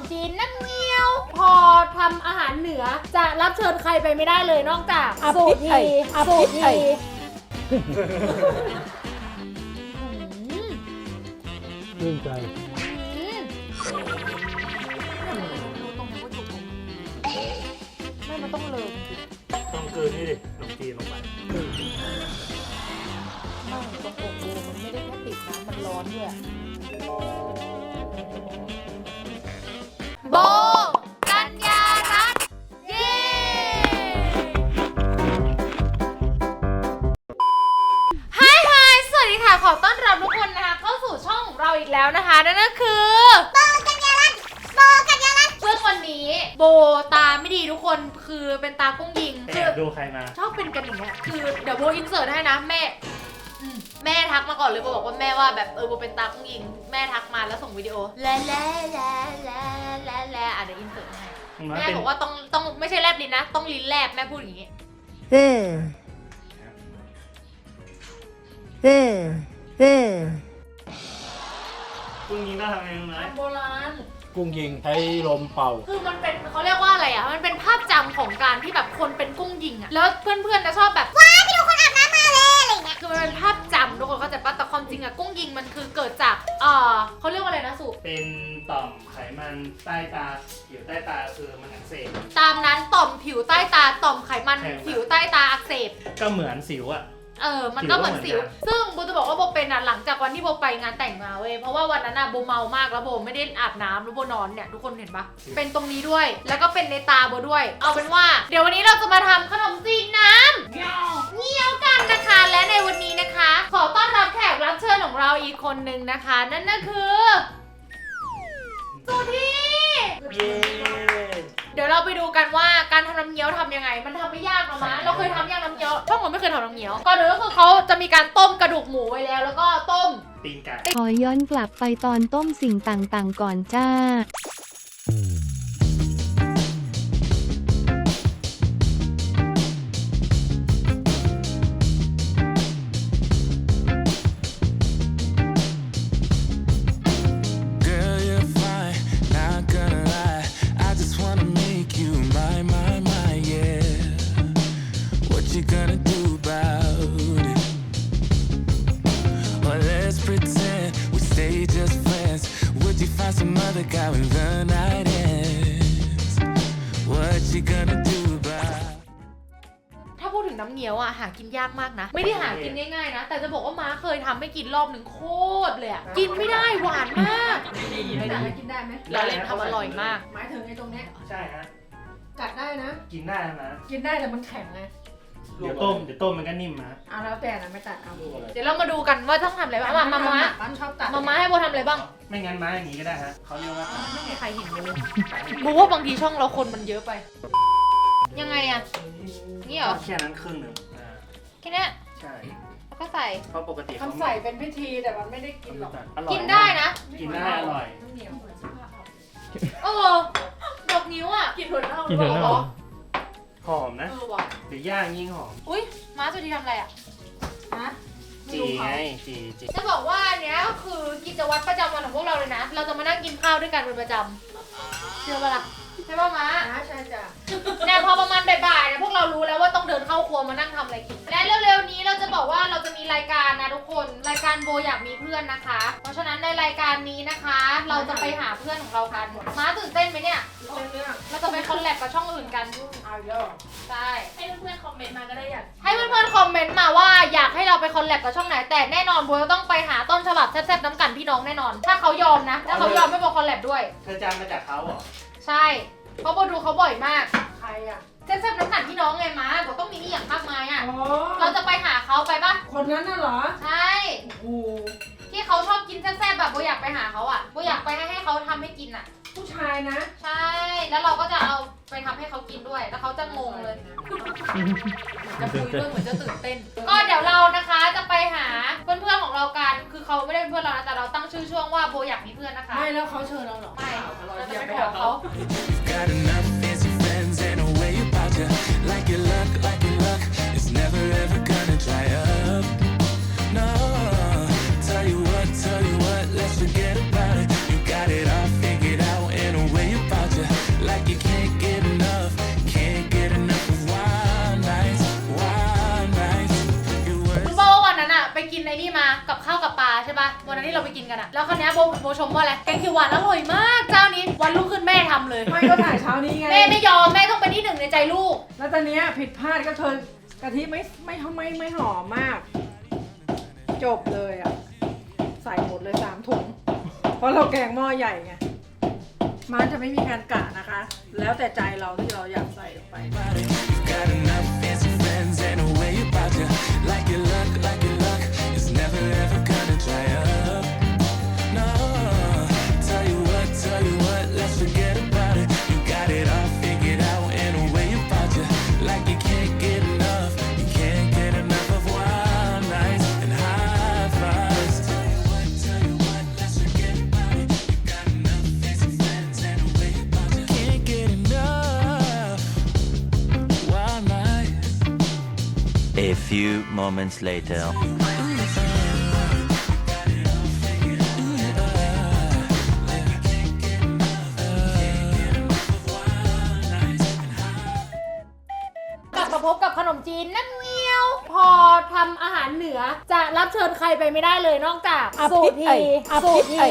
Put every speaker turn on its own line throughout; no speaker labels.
จีนน้ำเงี้ยวพอทำอาหารเหนือจะรับเชิญใครไปไม่ได้เลยนอกจากสูตรยีสูตรยี
ชื่นใจ
ไม่มันต้องเลย
ต้องเกินนี่ดิขนมจีนลงไป
ไม่ตรงอกโบมันไม่ได้แค่ติดนะมันร้อนด้วยโบกัญญารัตน์เย้ฮายสวัสดีค่ะขอต้อนรับทุกคนนะคะเข้าสู่ช่องของเราอีกแล้วนะคะนั่นก็คือโบกัญญารัตน์ซึ่งวันนี้โบตาไม่ดีทุกคนคือเป็นตากุ้งยิงคือ
ดูใครมา
ชอบเป็นกันอย่างเงี้ยคือเดี๋ยวโบอินเสิร์ตให้นะแม่ทักมาก่อนเลยโบบอกว่าแม่ว่าแบบโบเป็นตากุ้งยิงแม่ทักมาแล้วส่งวิดีโอแล่เดี๋ยวอินเสิร์ตให้แม่บอกว่าต้องไม่ใช่แลบลิ้นนะต้องลิ้นแลบแม่พูดอย่างงี้
กุ้งยิงต้องทำไงรู้ไหม
โบราณ
กุ้งยิงใช้ลมเป่า
คือมันเป็นเขาเรียกว่าอะไรอ่ะมันเป็นภาพจำของการที่แบบคนเป็นกุ้งยิงอ่ะแล้วเพื่อนๆจะชอบแบบว้าไปดูคนอาบน้ำมาเลยอะไรเงี้ยคือมันเป็นภาพจำทุกคนเข้าใจปะแต่ความจริงอ่ะกุ้งยิงมันคือเกิดจากเขาเรียกว่าอะไรนะสุ
เป็นต่อมไขมันใต้ตาผิวใต้ตาคือมันอักเสบ
ตามนั้นต่อมผิวใต้ตาต่อมไขมันผิวใต้ตาอักเสบ
ก็เหมือนสิวอ่ะ
มันก็เหมือนสิวซึ่งโบจะบอกว่าโบเป็นหลังจากวันที่โบไปงานแต่งมาเว้ยเพราะว่าวันนั้นโบเมามากแล้วโบไม่ได้อาบน้ำแล้วโบนอนเนี่ยทุกคนเห็นปะเป็นตรงนี้ด้วยแล้วก็เป็นในตาโบด้วยเอาเป็นว่าเดี๋ยววันนี้เราจะมาทำขนมจีนน้ำเงี้ยวกันนะคะและในวันนี้นะคะขอต้อนรับแขกรับเชิญของเราอีกคนนึงนะคะนั่นก็คือสุธีเดี๋ยวเราไปดูกันว่าการทำน้ำเงี้ยวทำยังไงมันทำไม่ยากหรอกมะเราเคยทำยังน้ำเงี้ยวช่องผมไม่เคยทำน้ำเงี้ยวก่อนอื่นก็คือเขาจะมีการต้มกระดูกหมูไว้แล้วก็ต้ม
ตีนไก่
ขอย้อนกลับไปตอนต้มสิ่งต่างๆก่อนจ้า
ถ้าพูดถึงน้ำเงี้ยวหากินยากมากนะไม่ได้หากินง่ายๆนะแต่จะบอกว่าม้าเคยทำให้กินรอบหนึ่งโคตรเลยกินไม่ได้หวานมาก
ไม่ได้กินได้ไหม
เราเล่นทำอร่อยมาก
หมายถึงไอ้ตรงเนี้ย
ใช่ฮะ
กัดได้นะ
กินได้นะ
กินได้แต่มันแข็งไง
เดี๋ยวต้มมันก็นิ่มนะ
เอาแล้วแต่นะไม่ตัดเอา
เดี๋ยวเรามาดูกันว่าต้องทำอะไรบ้าง
มันชอบตัด
มาให้โบทำอะไรบ้าง
ไม่งั้นม้าอย่างนี้ก็ได้ฮะเขาเรียกว่า
ไม่มีใครเห็นเลยโบว่าบางทีช่องเราคนมันเยอะไปยังไงอะนี่เหรอ
แค่นั้นครึ่งหนึ่ง
แค่นี้
ใช่
แล้วก็ใส่
เพราะปกติ
เขาใส่เป็นพิธีแต่มันไม่ได้กินหรอก
กินได้นะ
กินได้อร่อย
ดอกนิ้วอ่ะ
กินถั่วเน่า
หอมนะหรือย่างยิ่งหอม
อุ้ยม้าสุธีทำอะไรอ่ะ
จีไงจี
จะบอกว่าอันเนี้ยก็คือกิจวัตรประจำวันของพวกเราเลยนะเราจะมานั่งกินข้าวด้วยกันเป็นประจำเชื่อปะล่ะใช่ป่ะม้า
ใช่จ้ะ
เนี่ยพอประมาณบ่ายๆเนี่ยพวกเรารู้แล้วว่าต้องเดินเข้าครัวมานั่งทำอะไรกินและเร็วๆนี้เราจะบอกว่าเราจะมีรายการนะทุกคนรายการโบอยากมีเพื่อนนะคะเพราะฉะนั้นในรายการนี้นะคะเราจะไปหาเพื่อนของเรากันม้าตื่นเต้นไหมเนี่ยเราจะไปคอลแลบกับช่องอื่นกัน
เอาเยอะ
ใช่
ให้เพื่อนๆคอมเมนต์มาก็ได้อยาก
ให้เพื่อนๆคอมเมนต์มาว่าอยากให้เราไปคอลแลบกับช่องไหนแต่แน่นอนโบจะต้องไปหาต้นฉบับแซ่บๆน้ำกันพี่น้องแน่นอนถ้าเขายอมนะถ้าเขายอมไม่โบคอลแลบด้วย
เธอจำมาจากเขาเหรอ
ใช่เพราะโบดูเขาบ่อยมาก
ใครอ่ะ
แซ่บๆน้ำกันพี่น้องไงม้าโบต้องมีนี่อย่างมากมายอ่ะเราจะไปหาเขาไปปะ
คนนั้นน่ะเหรอ
ใช่ที่เขาชอบกินแซ่บๆแบบโบอยากไปหาเขาอ่ะโบอยากไปให้เขาทำให้กินอ่ะ
ผู้ชายนะ
ใช่แล้วเราก็จะเอาไปทำให้เขากินด้วยแล้วเขาจะงงเลยจะคุยด้วยเหมือนจะตื่นเต้นก็เดี๋ยวเรานะคะจะไปหาเพื่อนๆของเรากันคือเขาไม่ได้เป็นเพื่อนเรานะแต่เราตั้งชื่อช่วงว่าโบอยากมีเพื่อนนะคะ
ไม่แล้วเขาเชิญเราหรอ
ไม่เราจะไปขอเขาที่เราไปกินกันอะแล้วคราวเนี้ยโบชมว่าอะไรแกงเขียวหวานอร่อยมากเจ้านี้วันรุ่งขึ้นแม่ทำเลย
ไม่ก็ถ่ายเช้านี้ไง
แม่ไม่ยอมแม่ต้องเป็นที่หนึ่งในใจลูก
แล้วตอนเนี้ยผิดพลาดก็เธอกะทิไม่หอมมาก จบเลยอ่ะ ใส่หมดเลย3 ถุง เพราะเราแกงหม้อใหญ่ไง มันจะไม่มีการกะนะคะ แล้วแต่ใจเราที่เราอยากใส่ลงไป
Got enough fancy friends and a way about you. Like your luck is never ever gonna dry up. No, tell you what, let's forget about it. You got it all figured out and a way about you. Like you can't get enough, you can't get enough of wild nights and high fives. Tell you what, let's forget about it. You got enough fancy friends and a way about you. Can't get enough. Wild nights.
A few moments later.
กลับมาพบกับขนมจีนน้ำเงี้ยว พอทำอาหารเหนือจะรับเชิญใครไปไม่ได้เลยนอกจาก
อภิ
สูตรที
ไอ้อภิ
สูตรที
ไอ้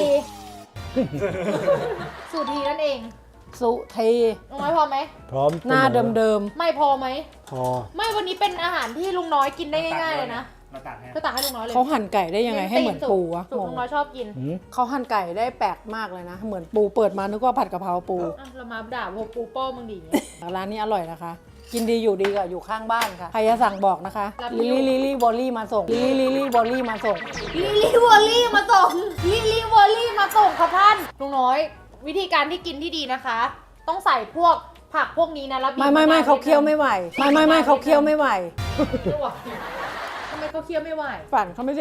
สูตรทีนั่นเอง
สุเท
ลุงน้อยพอไหม
พร้อม
หน้าเดิม
ไม่พอไหม
พอ
ไม่วันนี้เป็นอาหารที่ลุงน้อยกินได้ง่ายๆเลยนะ
มาตักให้
ก็ตักให้ลุงน้อยเล
ๆ
ย
เขาหั่นไก่ได้ยังไงให้เหมือนปูวะ
สูตรลุงน้อยชอบกิน
หืม
เขาหั่นไก่ได้แปลกมากเลยนะ เหมือนปูเปิดมานึกว่าผัดกะเพราปู
อ่ะเรามาด่าพวกปูป้อมึงดิอย่างเงี้ย
ร้านนี้อร่อยนะคะ กินดีอยู่ดีกับอยู่ข้างบ้านค่ะ ใครจะสั่งบอกนะคะ
รับ
ลิลี่บอลลี่มาส่งลิลี่บอลลี่มาส่ง
ลิลี่วอลลี่มาส่งลิลี่วอลลี่มาส่งค่ะท่านลุงน้อย วิธีการที่กินที่ดีนะคะ ต้องใส่พวกผักพวกนี้นะแล้วบีบ
ไม่เขาเคี้ยวไม่ไหวไม่เขาเคี้ยวไม่ไหว
ไม่ไหวทำไมเขาเคี้ยวไม่ไหว
ฝันเขาไม่ได้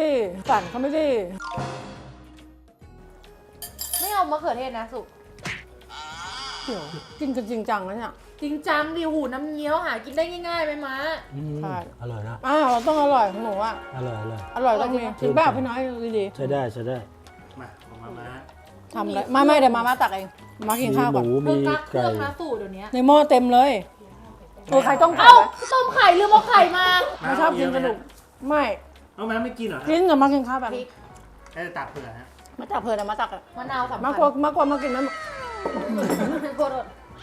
ไม่เอามะเขือเทศนะสุ
เดี๋ยวกินกันจริงจังแล้วเนี่ย
จริงจังดิหูน้ำเงี้ยวหากินได้ง่ายๆไหมม้า
อืม
ใช่
อร่อยนะ
เราต้องอร่อยของหนูอ่ะ
อร่อย
อร่อยต้องมีจริงเปล่าพี่น้อยดี
ใช้ได้
มาของมาม่า
ๆทำเลยไม่เดี๋ยวมาตักเองมากิน
มี
ข้าว
ห
ก่อน
มู
เพิ่
มี
งกักเครื่
ไก่
องนะสูตรเดี๋ยวนี้
ในหม้อเต็มเลยใครต้มไข่
เอ้า
ไหม
ต้มไข่ลืมเอาไข่มา
ไม่ชอบกินกระดูกไม่
เอาแม่ไม่กินเหรอฮะ
กินแต่มากินข้าวแบบ
พริก
ให้ตักเผื่อฮะ
มาตักเพลินนะมาตักอะ
มะนาวสำคัญ
มากกว่ามากินน้ำ
โคตร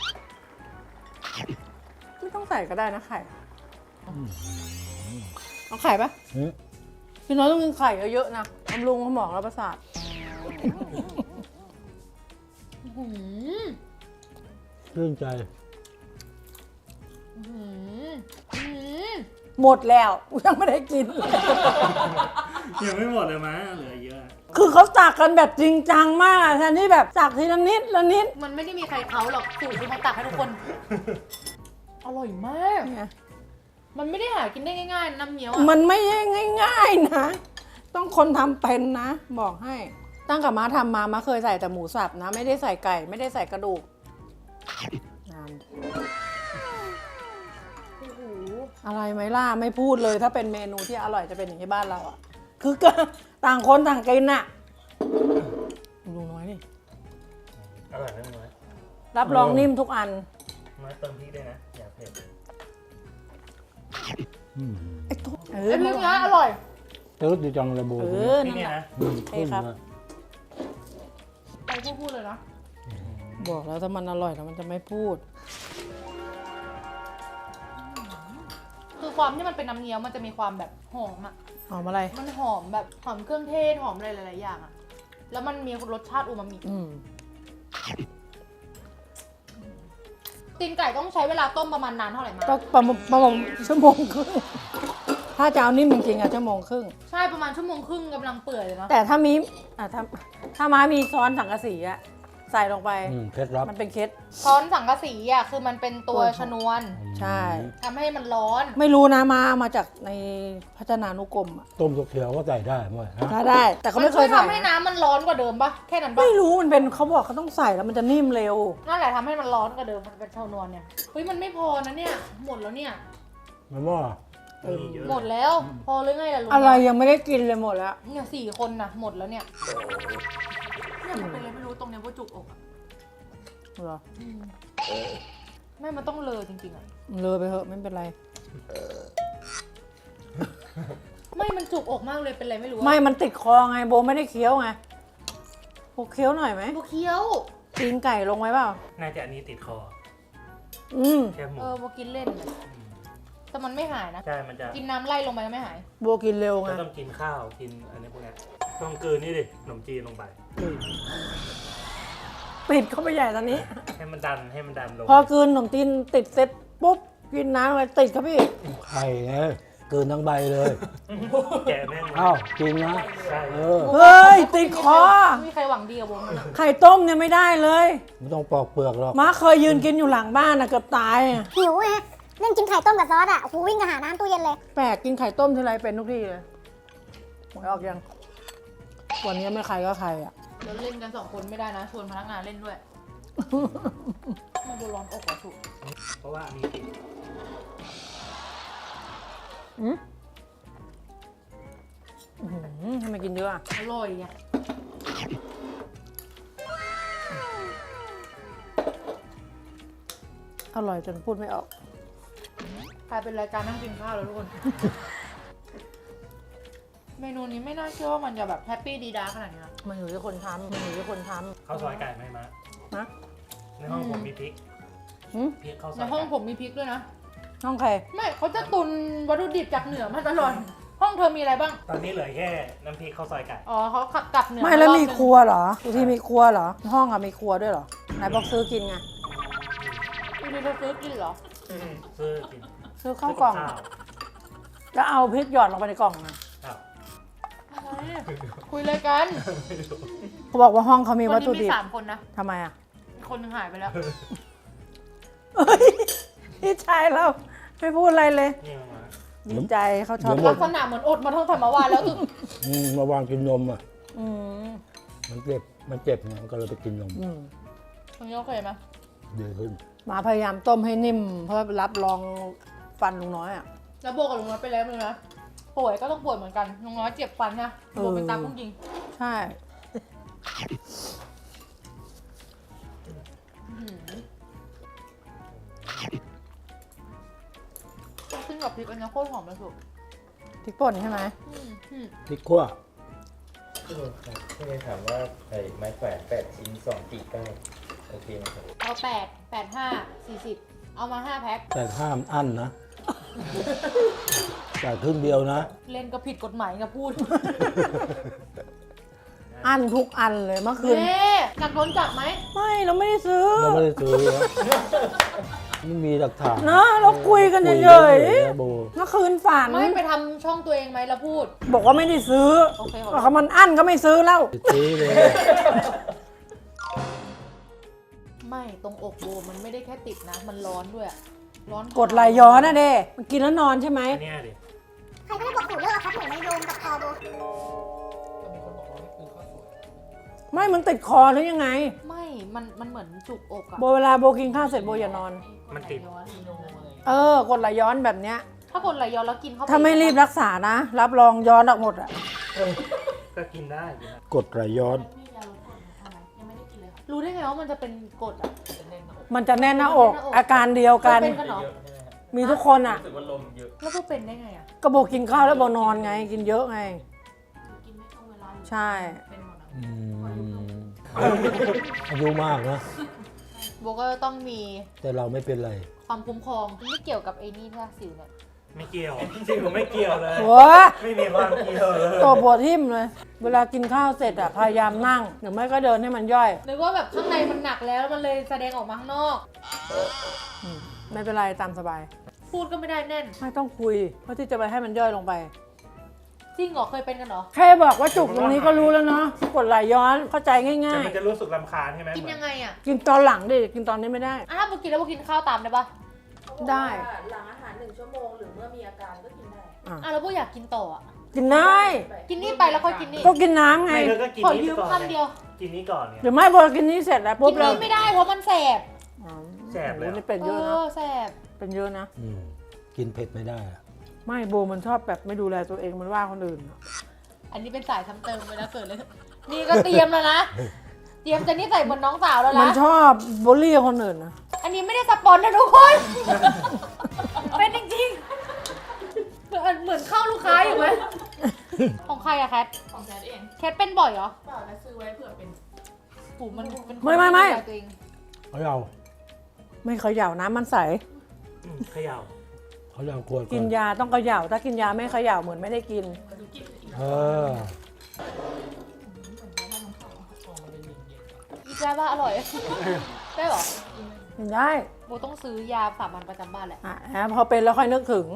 ไม่ต้องใส่ก็ได้นะไข่เอาไข่ปะ
หืม
พี่น้อยต้องกินไข่เยอะๆนะบำรุงสมองและประสาท
หืม
ชื่นใจ
หืมหืม
หมดแล้วยังไม่ได้กิน
ยังไม่หมดเลยมั้ยเหลือเยอะ
คือเขาตักกันแบบจริงจังมากอะแทนที่แบบตักทีละนิดละนิด
มันไม่ได้มีใครเขาหรอกสูตรที่เขาตักให้ทุกคน อร่อยมาก
เนี่ย
มันไม่ได้หากินได้ง่ายๆน้ำเงี้ยวอ่ะ
มันไม่ใช่ง่ายๆนะ ต้องคนทำเป็นนะ บอกให้ ตั้งกับม้าทำมาเคยใส่แต่หมูสับนะ ไม่ได้ใส่ไก่ ไม่ได้ใส่กระดูกนาน
โอ้โห
อะไรไหมล่ะไม่พูดเลยถ้าเป็นเมนูที่อร่อยจะเป็นอย่างที่บ้านเราอ่ะ คือก็ต่างคนต่างกินน่ะดูน้อยนี่
อร่อยไหมน้อย
รับรองนิ่มทุกอัน
มาเติมพริกด้วยนะอย่าเผ็ด
อืม
ไอ้ตุ๊ด
ไอ้พริกเนี้ยอร่อย
ตื้อดีจังเลยโบ
นี่เนี่ยนะ
อืม
เอ้ยครับ
ไปพูดเลยนะ
บอกแล้วถ้ามันอร่อยแล้วมันจะไม่พูด
คือความที่มันเป็นน้ำเงี้ยวมันจะมีความแบบหอมอ่ะ
หอมอะไร
มันหอมแบบหอมเครื่องเทศหอมอะไรหลายๆอย่างอ่ะ แล้วมันมีรสชาติอูมามิ
อืม
ตีนไก่ต้องใช้เวลาต้มประมาณนานเท่าไหร่มา
ก็ประมาณชั่วโมงครึ่งถ้าจะเอานิ่มจริงๆอะชั่วโมงครึ่ง
ใช่ประมาณชั่วโมงครึ่งกำลังเปื่อยเลยเนาะ
แต่ถ้ามีถ้าม้ามีช้อนสังกะสีอะใส่ลงไป
อืมเคล็ดลับ
มันเป็นเคล็ด
ช้อนสังกะสีอ่ะคือมันเป็นตัวชนวน
ใช่
ทำให้มันร้อน
ไม่รู้นะมาจากในพัฒนานุกรมอะ
ต้มสุกเขียวก็ใส่ได้หมดนะ
ถ้าได้ แต่เขา
มัน
ไม่เค
ช่วย ย
ใส่
ทำให้น้ำมันร้อนกว่าเดิมปะแค่นั้นปะ
ไม่รู้มันเป็นเขาบอกเขาต้องใส่แล้วมันจะนิ่มเร็ว
นั่นแหละทำให้มันร้อนกว่าเดิมมันเป็นชนวนเนี่ยเฮ้ยมันไม่พอนะเนี่ยหมดแล้วเนี่ย
มันว่า
มีเยอะ
หมดแล้ว พอหรือไงล่ะลุง
อะไรยังไม่ได้กินเลยหมดแล้ว
เนี่ย4 คนนะหมดแล้วเนี่ยเนี่ยมันเป็นอะไรไม่รู้ตรงเนี้ยว่าจุกอกอะ
เหรอ
ไม่มันต้องเลอจริงๆอะ
เลยไปเถอะไม่เป็นไร
ไม่มันจุกอกมากเลยเป็นไรไม่รู้อะ
ไม่มันติดคอไงโบไม่ได้เคี้ยวไงโบเคี้ยวหน่อยไหม
โบเคี้ยว
ตีนไก่ลงไว้เปล่า
น่าจะอันนี้ติดคอ แค่หมู
โบกินเล่นเลยแต่มันไม่หายนะ
ใช่ มันจะ
กินน้ำไล่ลงไปก็ไม่หาย
โบกินเร็วไง
ก็ต้องกินข้าว กินอันนี้พวกนี้ต้องกลืนนี่ดิขนมจีนลงไป
ปิดเข้าไปใหญ่ตอนนี้
ให้มันดันลง
พอกลืนขนมจีนติดเสร็จปุ๊บกินน้ำไปติดครับพี่
ไข่ไงเกินทั้งใบเลย
แกะแม่งเลย
อ้าวจริงนะ
ใช่
เออ
เฮ้ยติดคอ
ไม่มีใครหวังดีกับวงนั้นอะ
ไข่ต้มเนี่ยไม่ได้เลย
ไม่ต้องปอกเปลือกหรอก
ม้าเคยยืนกินอยู่หลังบ้านนะเกือบตายอะ
หิวไงเล่นกินไข่ต้มกับซอสอ่ะโอ้โหวิ่งกระหาน้ำตู้เย็นเลย
แปลกกินไข่ต้มทีไรเป็นทุกทีเลยหวยออกยัง วันนี้ไม่ใครก็ใครอ่ะ
เราเล่นกัน2 คนไม่ได้นะชวนพนักงานเล่นด้วยมันดูร้อนอกอะสุก
เพราะว่ามีติด
ทำไมกินเยอะอะ
อร่อยไง
อร่อยจนพูดไม่ออก
กลายเป็นรายการนั่งกินข้าวแล้วทุกคน เมนูนี้ไม่น่าเชื่อว่ามันจะแบบแฮปปี้ดีดาขนาดนี้นะ
มันอยู่ที่คนทำมันอยู่ที่คนทำ
ข้าวซอยไก่ไหมมะ
นะ
ในห้องผมมีพริก
หืม
พริกข้าวซ
ใน
อย
ห้อง
ไก่
ผมมีพริกด้วยนะ
ห้องใคร
ไม่เขาจะตุนวัตถุดิบจากเหนือมาตลอด ห้องเธอมีอะไรบ้าง
ตอนนี้เหลือแค่น้ำพริกข้าวซอยไก่
อ๋อเขาขับกลับเหนือ
ไม่แล้ว
ารอบ
มี
นึง
ครัวเหรอทุกที่มีครัวเหรอ ห้องอะมีครัวด้วยเหรอ ไหนบอกซื้อกินไง
อยู่ดีเราซื้อกินเหรอ
ซื้อกิน
ซื้อข้าวกล่อง
ข้าว
แล้วเอาพริกหยอดลงไปในกล่องนะครับ
อะไรคุยอะไรกัน
เขาบอกว่าห้องเขามี
วั
วัน ต
นี้
ถุ
มี
ดิบ
3 คนนะ
ทำไมอะ
อีกคนหนึงหายไปแล้ว
เฮ้ยพี่ชายเราไม่พูดอะไรเลย
นี่มา
ดีใจเขาชอบ
ลักษณะเหมือนอดมาทั้งแต่เมื่อวานแล้วคือ
มาวางกินนมอ่ะ
อืม
มันเจ็บไงมันก็เลยไปกินนม
อืม
ตรงนี้โอเคไหม
ดีขึ้น
หมาพยายามต้มให้นิ่ม เพื่อรับรองฟันลุงน้อยอ่ะ
แล้วโบกับลุงน้อยไปแล้วมึงนะป่วยก็ต้องป่วยเหมือนกันลุงน้อยเจ็บฟันนะโบเป็นตากุ้งยิง
ใช่
ขึ้นกับพริกอันนี้โคตรหอมเลยสุด
พริกป่นใช่ไหม
พริกขั่ว
พี่เลยถามว่าไอ้ไม้แขวน8 ชิ้น2กี่ก้าวโอเคไหมครับ
เอา8 8 5 40เอามา5 แพ็ค
แต่ห้ามอั้นนะ แต่ครึ่งเดียวนะ
เล่นก็ผิดกฎหมายกับพูด
อันทุกอันเลยเมื่อคืน
เน่กัดโดนจับไหม
ไม่เราไม่ได้ซื้อ
เราไม่ได้ซื้อนะไม่มีหลักฐาน
นะเราคุยกันเฉย
นะโบ
ๆเมื่อคืนฝัน
ไม่ไปทำช่องตัวเองไหมแล้วพูด
บอกว่าไม่ได้ซื้อ
โอเคขอโทษ
บอกว่ามันอั้นก็ไม่ซื้อแล้ว
ซื้อเลย
ไม่ตรงอกโบมันไม่ได้แค่ติดนะ มันร้อนด้วยอะร้อน
กดไหลย้อนนะเด้มันกินแล้วนอนใช่ไหม
อันเนี้ยดิ
ใครก็ได้บอกสูตรเลิกเอาครับหนูไม่โยงกับคอโบ
ไม่มันติดคอหรือยังไง
ไม่มันเหมือนจุกอกอะ
โบเวลาโบกินข้าวเสร็จโบอย่านอน
มันติด
กดไหลย้อนแบบเนี้ย
ถ้ากดไหลย้อนแล้วกินเข้าไป
ถ้าไม่รีบรักษานะ รับรองย้อนออกหมดอ่ะ
ก็กินได้กินได้
กดไหลย้อน
รู้ได้ไงว่ามันจะเป็นกดอะ
มันจะแน่นหน้าอก อาการเดียวกัน
เป็นกันเหรอ
มีทุกคนอ่ะ
รู้สึกว่าลมเยอะ
แล้วก็เป็นได้ไงอะ
ก็โบกินข้าวแล้วโบนอนไง กินเยอะไง ใช่
อืมอายุมากนะ
โบก็ต้องมี
แต่เราไม่เป็นไร
ความคุ้มครองไม่เกี่ยวกับไอ้นี่ท่าสิวเนี่ย
ไม่เกี่ยวจริงๆผมไม่เกี่ยวเลย
โอ้ย
ไม่มีความเกี่ยวเลย
ตัวปวดทิ่มเลย เวลากินข้าวเสร็จอ่ะ พยายามนั่ง หรือไม่ก็เดินให้มันย่อย
นึกว่าแบบข้างในมันหนักแล้วมันเลยแสดงออกมาข้างนอก
ไม่เป็นไรตามสบาย
พูดก็ไม่ได้แน่น
ไม่ต้องคุย เพราะที่จะไปให้มันย่อยลงไป
จริงเหรอเคยเป็นกันเหรอ
แค่บอกว่าจุกตรงนี้ก็รู้แล้วเนาะ กดไหลย้อนเข้าใจง่
แต่
าย
มันจะรู้สึกรำคาญใช่ไหม
กินยังไงอะ
ๆ กินตอนหลังดิ กินตอนนี้ไม่ได้
อ่ะถ้าโบกินแล้วโบกินข้าวตามได้ปะ
ได้
หลังอาหาร1 ชั่วโมงหรือเมื่อมีอาการก็กินได้
อ่ะแล้วโบอยากกินต่ออะ
กินได้
กินนี่ไปแล้วค่อยกินนี่
ก็กินน้ำไง
ไม่เธอก็กิน
ขอ
นี้
ยืม
ก่อน
คำเดียว
กินนี้ก่อนเนี่ย
หรือไม่พอกินนี้เสร็จแล้วปุ๊
กิ
บ
น
เรา
นี่ไม่ได้เพราะมันแสบ
แสบเลย
โอ้โหนี่เป็นเยอะนะ
แสบ
เป็นเยอะนะ
กินเผ็ดไม่ได้อะ
ไม่โบมันชอบแบบไม่ดูแลตัวเองมันว่าคนอื่นอะ
อันนี้เป็นสายทำเติมไปแล้วเกิดเลย นี่ก็เตรียมแล้วนะ เตรียมจะนี่ใส่เหมือนน้องสาวแล้ว
มัน
นะ
ชอบบูลลี่คนอื่นนะ
อันนี้ไม่ได้สปอนนะทุกคน เป็นจริงๆเหมือนเข้าลูกค้าอยู่ไหมของใครอะแคท
ของแคทเอง
แคทเป็นบ่อยเหรอ
เปล่าแล้วซื้อไว้เผื่อเป็น
หูมันเป็นคน
ไม่
ดูแลตัวเอง
เขาเอา
ไม่เขย่าน้ำมันใส
เขย่า
เขาเอาขวด
กินยาต้องเขย่าถ้ากินยาไม่เขย่าเหมือนไม่ได้กิน
มาดูกินอีก
เออ
อีกาบ้าอร่อย ได้เหรอ
กินได้
โบต้องซื้อยาสามัญประจำบ้านแหละ
พอเป็นแล้วค่อยนึกถึง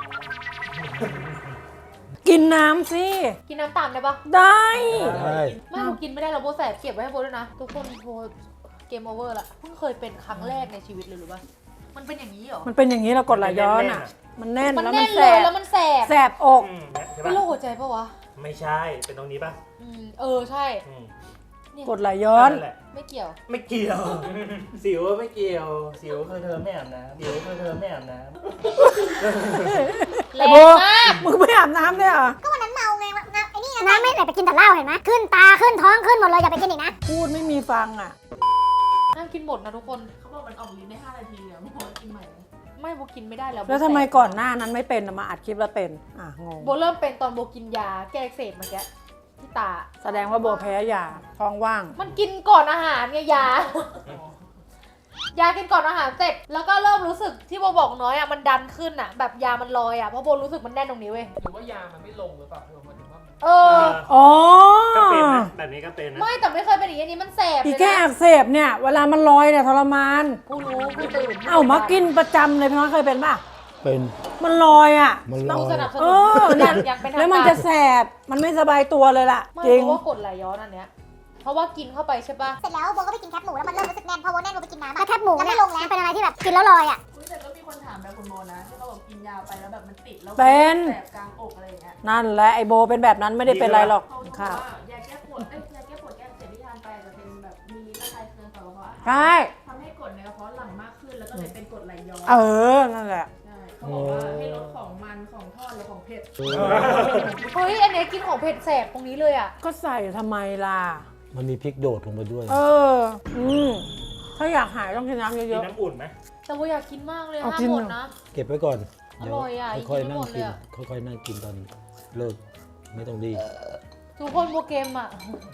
กินน้ำสิ
กินน้ำตามได้ปะ
ได้
ใช่
ไม่โบกินไม่ได้แล้วโบแสบเก็บไว้ให้โบด้วยนะ ทุกคนโบเกมโอเวอร์ละเพิ่งเคยเป็นครั้งแรกในชีวิตเลยหรือปะมันเป็นอย่างนี้เหรอ
มันเป็นอย่างนี้เรากดไหลย้อนอ่ะ มันแน่น
มัน
แล้ว
แน่
มัน
น
แส
เลย
บ
แล้วมันแสบ
แสบอก
ใช่
เป็น
ปะ
โรคหัวใจปะวะ
ไม่ใช่ เป็นตรงนี้ปะ
ใช่
อืม
เนี่ย
กดไหลย้อน
นั่นแหละ
ไม่เกี่ยว
ไม่เกี่ยว สิวไม่เกี่ยว สิวคือเธอไม่อาบน้ำสิวคือเธอไม่อาบน้
แรง
โบ
มาก
มึงไม่อาบน้ำเนี่ยเหรอ
ก็วันนั้นเมาไงไอ้นี่น้ำไม่ไหลไปกินแต่เหล้าเห็นไหมขึ้นตาขึ้นท้องขึ้นหมดเลยอย่าไปกินอีกนะ
พูดไม่มีฟังอ่ะ
ห้ามกินหมดนะทุกคน
เขาบอกมันออกลิ้นได้5 นาทีอะไม่พอกินใหม่
ไม่โบกินไม่ได้แล้ว
แล้วทำไมก่อนหน้านั้นไม่เป็นอะมาอัดคลิปแล้วเป็นงง
โบเริ่มเป็นตอนโบกินยาแก้อักเสบเมื่อกี้ที่ตา
แสดงว่าโบแพ้ยาท้องว่าง
มันกินก่อนอาหารไงยา ยากินก่อนอาหารเสร็จ แล้วก็เริ่มรู้สึกที่โบบอกน้อยอ่ะมันดันขึ้นอ่ะ แบบยามันลอยอ่ะเพราะโบรู้สึกมันแน่นตรงนี้เว้ย
หรือว่ายามันไม่ลงหรือเปล่าหมายถึงว่า
เอ
ำ
อ
อ๋อ
ก็เป็นนะ แบบนี้ก็เป็นนะ
ไม่แต่ไม่เคยเป็นอย่างนี้มันแสบ
อี
เลย
แก้
นะ
อักเสบเนี่ย เวลามันลอยเนี่ยทรมาน
ผู้รู้ผู้ตื่น
เอ้ามากินประจำเลยพี่น้อยเคยเป็นป่ะ
เป็น
มันลอยอ่ะ
มันล
ต้อง
อย
สนับส
เอ
นุน
อเนี่ย
อยากเป็นทาง
แล้วมันจะแสบ มันไม่สบายตัวเลยล่ะ
ไม่
จริง
เพราะว่ากดไหลย้อนอันเนี้ย เพราะว่ากินเข้าไปใช่ปะ
เสร็จแล้วโบก็ไปกินแคปหมูแล้วมันเริ่มรู้สึกแน่นพอโบแน่นโบไปกินน้ำแคปหมูแล้วไม่ลงแล้วเป็นอะไรที่แบบกินแล้วลอยอ่ะ
อุ๊ยแต่ก็มีคนถามแบบคุณโมนะที่เขาบอกกินยาไปแล้วแบบมันติดแล้ว
เป็น
แสบกลางอกอะไรอย่างเงี้ย
นั่นแหละไอโบเป็นแบบนั้นไม่ได้เป็นไรหรอก
เขาบอก
ค่ะ
ว่ายาแก้ปวดยาแก้ปวดแก้อักเสบที่ทานไปอาจจะเป็นแบบมีระคายเคืองต่อกระเพาะอาหาร
ใช่
ทำให้กรดในกระเพาะหลั่งมากขึ้นแล้วก็เลยเป็นกรดไหลย้อน
เออ นั่นแหละ
ใช่เขาบอกว่าให้ลดของมันของทอดหรือของเผ็ด
เฮ้ยอันเนี้ยกินของเผ็ดแสบตรงนี้เลยอ่ะ
ก็ใส่ทำไมล่ะ
มันมีพริกโดดลงไปด้วย
เออ ถ้าอยากหายต้องกินน้ำ
กิ
เย
น
อะ
น้ำอุ่นไหม
แต่โบอยากกินมากเลย
เอา
ห้าม
กิน
หมด
เหรอ
นะ
เก็บไว้ก่อน เดี๋ยว
อร่อยอ่ะ
ค่อยๆ
กินไม่
นั่
ห
ง
มดเล
กิ
ย
น
อะ
ค่อยๆนั่งกินตอนเลิก ไม่ต้องรีบ
ทุกคนโบเกมอ่ะ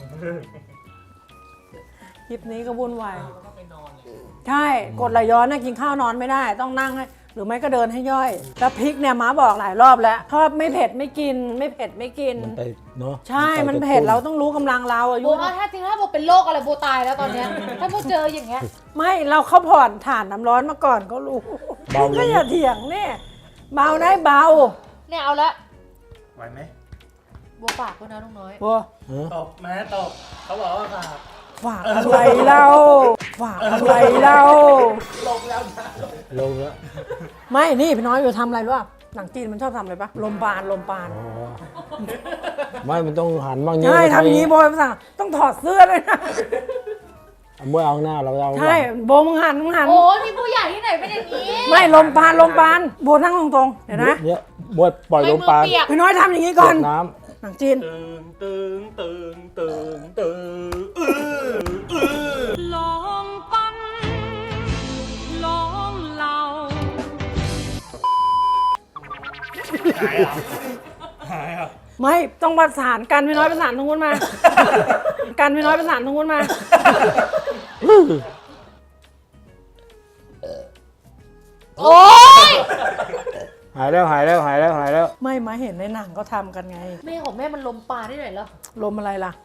ๆ คลิปนี้ก็วุ่นวาย
แล้วก็ไปนอนเลย
ใช่ กดไหลย้อนนะกินข้าวนอนไม่ได้ ต้องนั่งให้ หรือไม่ก็เดินให้ย่อย แล้วพริกเนี่ยม้าบอกหลายรอบแล้วชอบไม่เผ็ดไม่กิน ไม่เผ็ดไม่กิน
มันไปเนาะ
ใช่ มันเผ็ดเราต้องรู้กำลังเราอา
โบ
ยุ
ว่าถ้าจริงถ้าโบเป็นโรคอะไรโบตายแล้วตอนเนี้ย ถ้าโบเจออย่างเงี้ย
ไม่เราเข้าผ่อนถ่านน้ำร้อนมาก่อนก็รู้
เบาล
ก็
ง
อย่าเถียงเนี่ยเบาได้เบา
เนี่ยเอาละ
ไหวไหม
โบฝากด้วยนะลุงน้อย
บัว
เออ
ตบมาตบ เขาบอกว่าค่ะ
ฝากอะไรเราฝากอะไรเรา
ลงแล้ว
ไม่นี่พี่น้อยอยู่ทำอะไรรู้ป่ะหนังจีนมันชอบทำอะไรปะลมปานลมปาน
อ๋อไม่มันต้องหันบ้างนี้
ใช่ทำอย่างนี้โบยภาษาต้องถอดเสื้อเลยนะ
เมื่อเอาหน้าเราเอา
ใช่โบมึงหัน
โอ้ยมีผู้ใหญ่ที่ไหนเป็นอย่างนี้
ไม่ลมปานลมปานโบนั่งตรงๆเดี๋ยวนะ
เนี่ยบวยปล่อยลมปาน
ไม่มือเปียก
พี่น้อยทำอย่างนี้ก่อน
น้
หนังจีน
ตึงตึงตึงตึงตึง
ลองปั้นลองเล่า
หายเหรอ หายเหรอ
ไม่ต้องประสานกันพี่น้อยประสานตรงนู้นมา กันพี่น้อยประสานตรงนู้นมา
โอ้ย
ำหายแล้ว
ไม่มาเห็นในหนังก็ทำกันไง
แม่ของแม่มันลมปลาที่ไหนเหรอ
ลมอะไรล่ะ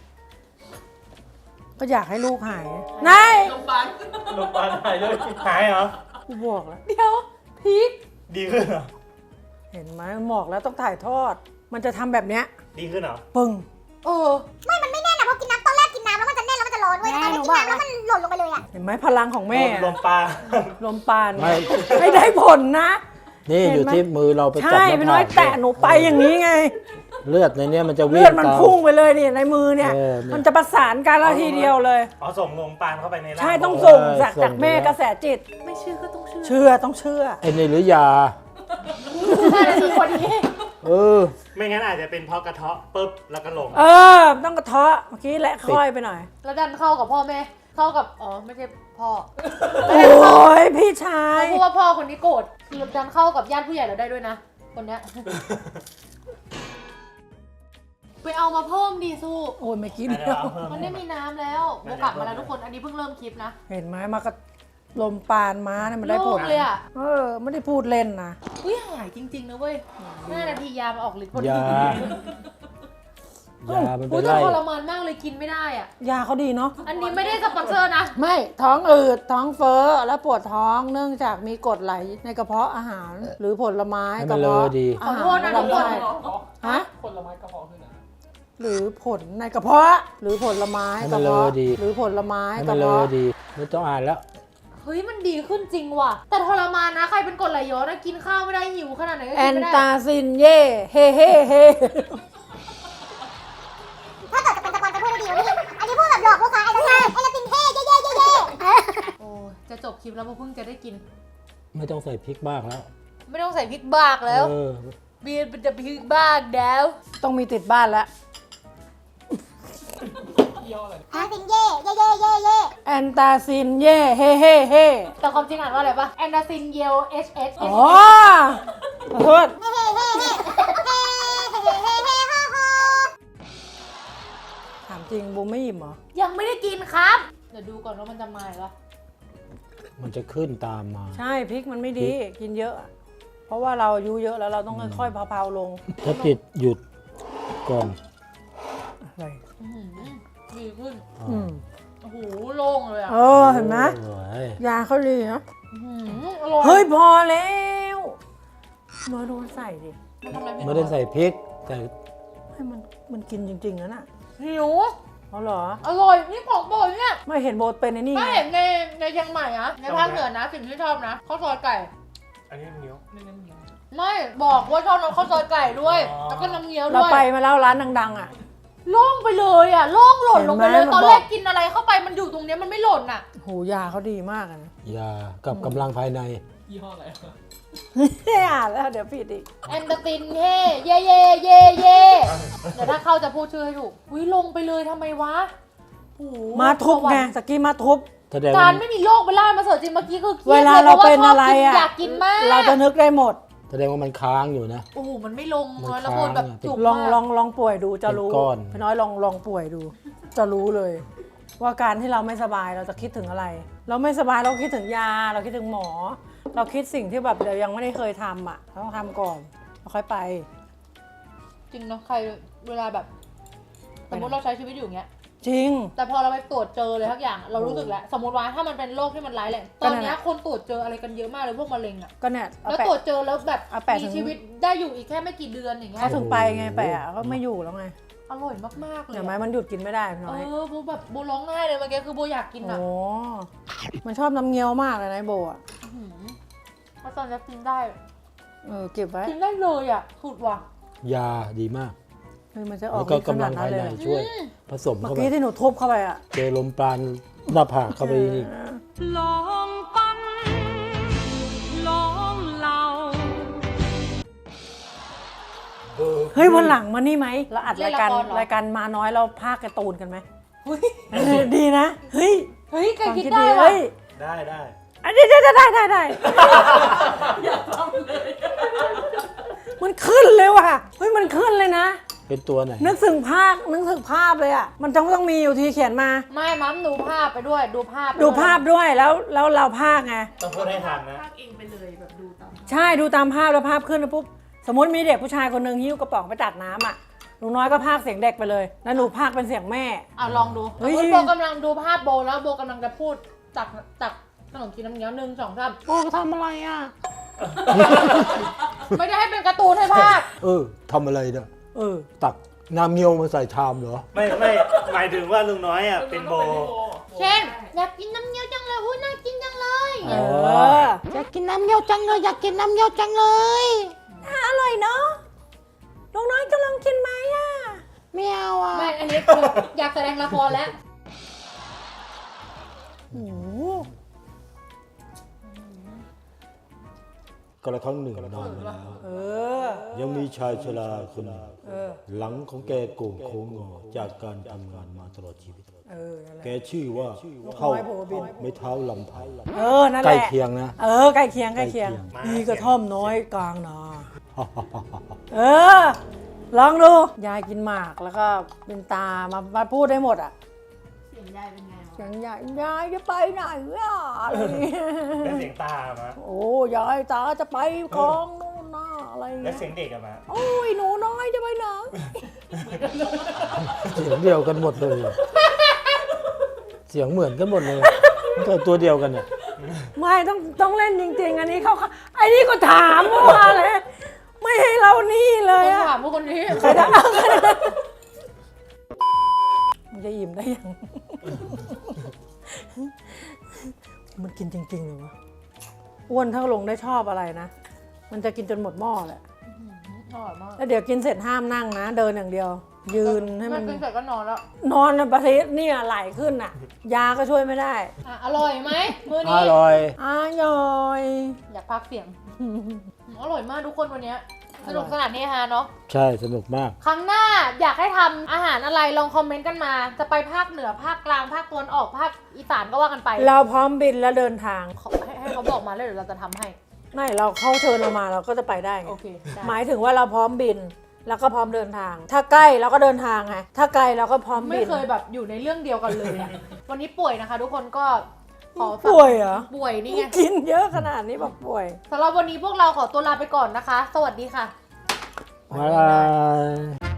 ก็อยากให้ลูกหายนาย
โรงพยาบาล
ลงปานหายเลยหายเหรอ
กูบอกแล้ว
เดี๋ยวพีค
ดีขึ้นเหรอ
เห็นไหมบอกแล้วต้องถ่ายทอด มันจะทำแบบเนี้ย
ดีขึ้นเหรอ
ปึ้ง
เออ
ไม่มันไม่แน่นอะเพราะกินน้ำตอนแรกกินน้ำแล้วมันจะแน่นแล้วมันจะร้อนเว้ยแต่ตอนนี้กินน้ำแล้วมันหล่นลงไปเลยอะ
เห็นไหมพลังของแม่
ลมปลา
ลมปาน
ไม่
ไม่ได้ผลนะ
นี่
เห็นไหม
อยู่ที่มือเราไปจับ
ใช่
หน้า
พี่น้อย
ผาก
แตะหนูไปอย่างนี้ไง
เลือดในเนี้ยมันจะวิ่
เลื
ง
อดมัน
ตาม
พุ่งไปเลยนี่ในมือเนี่ย
เออเนี่ย
มันจะประสานกันแล้วทีเดียวเลย
อ๋อส่งลมปานเข้าไปในร่าง
ใช่ต้องส่ง
เออ
จาก
ส่ง
จากแม่
ไปแล้ว
กระแสจิต
ไม่เชื่อก็ต้องเชื่อ
เชื่อต้องเชื่อ
ไอ้นี่หรือยา
ใช่เลยคือคนนี้
เออ
ไม่งั้นอาจจะเป็นเพราะกระเทาะปุ๊บแล้วก็ลง
เออ ต้องกระเทาะเมื่อกี้และค่อยไปหน่อย
แล้วดันเข้ากับพ่อแม่ เข้ากับ อ๋อ ไม่ใช่พ่อ
โอ้ยพี่ชาย
เขาพูดว่าพ่อคนนี้โกรธดันเข้ากับญาติผู้ใหญ่เราได้ด้วยนะ คนเนี้ยไปเอามาเพิ่มดีสู้
โอ้ยไม่กิน
เดี๋ยวเอาเพิ่ม
มันไม่มีน้ำแล้วโบกลับมาแล้วทุกคนอันนี้เพิ่งเริ่มคลิปนะ
เห็นไหมมากระลมปานม้าเนี่ยมันได้ผล
โล่งเลยอะ
ไม่ได้พูดเล่นนะ
อุ้ยหายจริงๆนะเว้ย5 นาทียามาออกฤทธิ์พอดี
ยา ยามัน
อุ้
เป็
ย
น
แต่
ไร
ทรมานมากเลยกินไม่ได้อ่ะ
ยาเขาดีเนาะ
อันนี้ไม่ได้สปอนเซอร์นะ
ไม่ท้องอืดท้องเฟ้อและปวดท้องเนื่องจากมีกรดไหลในกระเพาะอาหาร หรือผลไม้
ให้
ก
มั
ระ
นเล
เพาะ
อดี
อาหาร
ขอโทษนะทุกคน
ลำไส้ฮะ
ผลไม้กระเพาะคืออะไร
หรือผลในกระเพาะหรือผลไม้
ให้
ก
มั
ระ
นเลอ
เพาะ
ดี
หรือผลไม้
ให้
ก
มั
ระ
นเลอ
เพาะ
ดี ไม่ต้องอ่านแล้ว
เฮ้ยมันดีขึ้นจริงว่ะ แต่ทรมานนะใครเป็นกรดไหลย้อนนะกินข้าวไม่ได้หิวขนาดไหนก็
แอ
กิน
น
ไม่ได้
ตาซินเย่เฮ่เฮ่เฮ่
ถ้าเกิดจะเป็นสปอนจะพูดได้ดีกว่านี้อันนี้พูดแบบหลอกลูกค้าไอ้ลูกค้าไอ้ละตินเท่เย่เย่เย่เย่
โอ้ยจะจบคลิปแล้วโบเพิ่งจะได้กิน
ไม่ต้องใส่พริกมากแล้ว
ไม่ต้องใส่พริกบากแล้ว
เออ
เบียร์เป็นจะพริกบากแล้ว
ต้องมีติดบ้านแล้ว
ย่ออะไร
อันตินเย่เย่เย่เย่เย่
แอนตาซินเย่เฮ่เฮ่เฮ่
แต่ความจริงอ่านว่าอะไรปะแอนดาซินเยล HS
อ๋อขอโทษ
เฮ่เฮ่เฮ่เฮ่เฮ่เฮ่เฮ่เฮ่ฮ่าฮ่า
ถามจริงบูมไม่อิ่มเหรอ
ยังไม่ได้กินครับ เดี๋ยวดูก่อนว่ามันจะมาหรือเปล่า
มันจะขึ้นตามมา
ใช่พริกมันไม่ดีกินเยอะ เพราะว่าเราอายุเยอะแล้วเราต้องค่อยๆเผาๆลง
ถ้าติดหยุดก่อน
อะไร
อื้อหือดีขึ้น
อืม
โอ้โหโล่งเลยอ่ะ
เห็นไหม
โอ้ย
ยาเขาดีนะ
อื้อหืออร่อย
เฮ้ยพอแล้วมาโดนใส่ดิ
มันทำอะไรผิด
ไม่ได้ใส่พริก แต่
ให้มันกินจริงๆนะน่ะ
หิว
เอาเหรอ
อร่อยนี่ของโปรดเนี่ย
ไม่เห็นโบทเป็นไอ้นี่
ไม่
ไง
เห็นในเชียงใหม่นะในภาคเหนือนะสิ่งที่ชอบนะข้าวซอยไก่
อันนี้มันเหนียว
เน้นๆเงี้ย
ไม่บอกว่าชอบน้ำข้าวซอยไก่ด้วย แล้วก็น้ำเงี้ยว
เรา
ด้วย
ไปมาแล้วร้านดังๆอ่ะ
โล่งไปเลยอ่ะโล่งหล่นลงไปเลย
เห็นไหม
ตอน
มันบอก
แรกกินอะไรเข้าไปมันอยู่ตรงเนี้ยมันไม่หล่นอ่ะ
โหยาเขาดีมากอะนะ
ยากับกำลังภายใน
ยี่ห้ออะไร
ไม่อ่านแล้วเดี๋ยวผิดอีก
แอนเดอร์ตินเย่เย่เย่เย่เย่เดี๋ยวถ้าเข้าจะพูดชื่อให้ถูกวิลงไปเลยทำไมวะโอ้โห
มาทุบไงตะกี้มาทุบ
แสดง
กา
ว่าร
ไม่มีโรคไปล่ามาเสิร์ฟจริงเมื่อกี้คือครี
เวย
ด
ลา
ลย
เรา
พะว่
เป็นอะไร
ชบกิ
อ่ะ
อยากกินมาก
เราจะนึกได้หมด
แสดงว่ามันค้างอยู่นะ
โอ้โหมันไม่ลง
มัน
แล้วพูดแบบ
ค้างอะ
จุก
ลอง
มาก
ลองป่วยดูจะรู้
เป็นก้อน
พี่น้อยลองป่วยดู จะรู้เลย ว่าการที่เราไม่สบายเราจะคิดถึงอะไร เราไม่สบายเราคิดถึงยา เราคิดถึงหมอ เราคิดสิ่งที่แบบเรายังไม่ได้เคยทำอ่ะเราต้องทำก่อนเราค่อยไป
จริงเนาะใครเวลาแบบสมมติเราใช้ชีวิตอยู่อย่างเงี้ย
จริง
แต่พอเราไปตรวจเจอเลยทุกอย่างเรารู้สึกแล้วสมมติว่าถ้ามันเป็นโรคที่มันร้ายแรงต
ก็
อน
นั่นแหละ
เนี้ยคนตรวจเจออะไรกันเยอะมากเลยพวกมะเร็งอะ
ก็เนี่ยเอา
แล้ว
แปะ
ตรวจเจอแล้วแบบ
เอาแปะถึ
มี
ง
ชีวิตได้อยู่อีกแค่ไม่กี่เดือนอย่างเงี้ย
เขาถึงไปไงแปะก็ไม่อยู่แล้วไง
อร่อยมากๆเลย
เห็นไหม
อะ
มันหยุดกินไม่ได้พี่
เอ
น้อย
อโบแบบโบร้องไห้เลยเมื่อกี้คือโบอยากกิน
โอ้
อะ
มันชอบน้ำเงี้ยวมากเลยนะไอ้โบอ่ะ
มาตอนจะกินได้
เก็บไว้
กินได้เลยอะสุดว่ะ
ยาดีมาก
เฮ้ยมันจะออ
แล้
ก
วก็
ฤทธิ์ข
กำ
นา
ลั
ด
ง
นั้น
ภาย
เลย
ใน
เหรอ
ช่วย ผสม
เมื่อ
เข้าไป
กี้ที่หนูทุบเข้าไปอ่ะ
เจอลมปราณหน้าผากเข้าไปอีก
เฮ้ยวันหลังมานี่ไหมเราอัดรายการมาน้อยเราพากย์การ์ตูนกันไหมดีนะ เฮ้ย
เฮ้ยใคร
ความ
คิด
คิด
ได้
ดี
วะ
เฮ้ย
ได้
อันนี้ได้มันขึ้นเลยว่ะเฮ้ยมันขึ้นเลยนะ
เป็นตัวไหน
นึกถึงภาพเลยอ่ะมันต้องมีอยู่ทีเขียนมา
ไม่มั้มดูภาพไปด้วยดูภาพไป
ดูภาพด้วยแล้วเราภาคไง
ต้องพูดให้ทันนะ
ภาคเองไปเลยแบบดูตาม
ใช่ดูตามภาพแล้วภาพขึ้นแล้วปุ๊บสมมติมีเด็กผู้ชายคนหนึ่งหิ้วกระป๋องไปตักน้ำอ่ะหนูน้อยก็ภาคเสียงเด็กไปเลยแล้วหนูภาคเป็นเสียงแม่
อ่ะลองดู
เฮ้ย
สมมติโบกำลังดูภาพโบแล้วโบกำลังจะพูดตักขนมจีนน้ำเงี้ยว1 2 3
โอ้ทำอะไรอ่ะ
ไม่ได้ให้เป็นการ์ตูนให้ภาค
ทำอะไรเนี่ย
อ
ตักน้ำเงี้ยวมาใส่ชามเหรอ
ไม่หมายถึงว่าลุงน้อยอ่ะเป็นโบ
เช่นอยากกินน้ำเงี้ยวจังเลยอุ้ยน่ากินจังเลย
อ๋อ
อยากกินน้ำเงี้ยวจังเลยอยากกินน้ำเงี้ยวจังเลยอร่อยเนาะน้องน้อยจะลองกินไหมอ่ะไม่เอาอ่ะ
ไม่อันนี้คืออยากแสดงละครแล้ว
โอ้โห
ก็ละครั้งหนึ่งนานมาแล้ว ยังมีชายชราคนหนึ่งหลังของแกโก่งโค้งงอจากการทำงานมาตลอดชีวิต
นั่นแหละ
แกชื่อว่าเท่า
น้อยโผบิน
ไม่เท้าลำไผ่
นั่นแห
ใกล้
ละ
เคียงนะ
ใกล้เคียง
ใกล้เคียง
มีกระท่อมน้อยกลางนาลองดูยายกินหมากแล้วก็เป็นตามาพูดได้หมดอ่ะ
เสียงยายเป็นไงวะ
เสียงยายจะไปไหนอ่ะอะไรอย่างเงี้ย
แล้วเสียงตามา
โอ้ยายตาจะไปคลองนู่นน่ะอะไรอย่าง
แล้
เงี้
วย เสียงเด็กอะมา
โอ้ยหนูน้อยจะไปไหน
เสียงเดียวกันหมดเลย เสียงเหมือนกันหมดเลยมันก็ตัวเดียวกันเนี่ย
ไม่ต้องเล่นจริงๆ อันนี้เขาไอ้นี่ก็ถามว่าเลยไม่ให้เรานี่เลย
คน
อะ
ถามพวกคนนี้
ใครจะเอามันจะอิ่มได้ยัง มันกินจริงๆเลยวะอ้วนถ้าลงได้ชอบอะไรนะ มันจะกินจนหมดหม้อแหละ
อร่อยมาก
แล้วเดี๋ยวกินเสร็จห้ามนั่งนะ เดินอย่างเดียว ยืนให้มัน
กินเสร็จก็นอนแล้ว
นอนประเทศเนี่ยไหลขึ้นอ่ะ ยาก็ช่วยไม่ได้
อร่อยไหมมื้อ
อ
นี้
ร่อย
อร่อย
อยากพักเสียง อร่อยมากทุกคนวันเนี้ยสนุกสนานเฮฮาเนาะ
ใช่สนุกมาก
ครั้งหน้าอยากให้ทำอาหารอะไรลองคอมเมนต์กันมา จะไปภาคเหนือภาคกลางภาคตะวันออกภาคอีสานก็ว่ากันไป
เราพร้อมบินแล้วเดินทาง
ให้เขาบอกมาเลยเดี๋ยวเราจะทำให้
ไม่เราเข้าเชิญเรามาเราก็จะไปได้ไง
โอเคได้
หมายถึงว่าเราพร้อมบิน แล้วก็พร้อมเดินทาง ถ้าใกล้เราก็เดินทางไงถ้าไกลเราก็พร้อม
ไม่
บิน
เคยแบบอยู่ในเรื่องเดียวกันเลยอะ วันนี้ป่วยนะคะ ทุกคนก็ขอฝาก
ป่วยเหรอ
ป่วยนี่ไง
กินเยอะขนาดนี้บอกป่วย
สำหรับวันนี้พวกเราขอตัวลาไปก่อนนะคะ สวัสดีค่ะ
บ๊ายบาย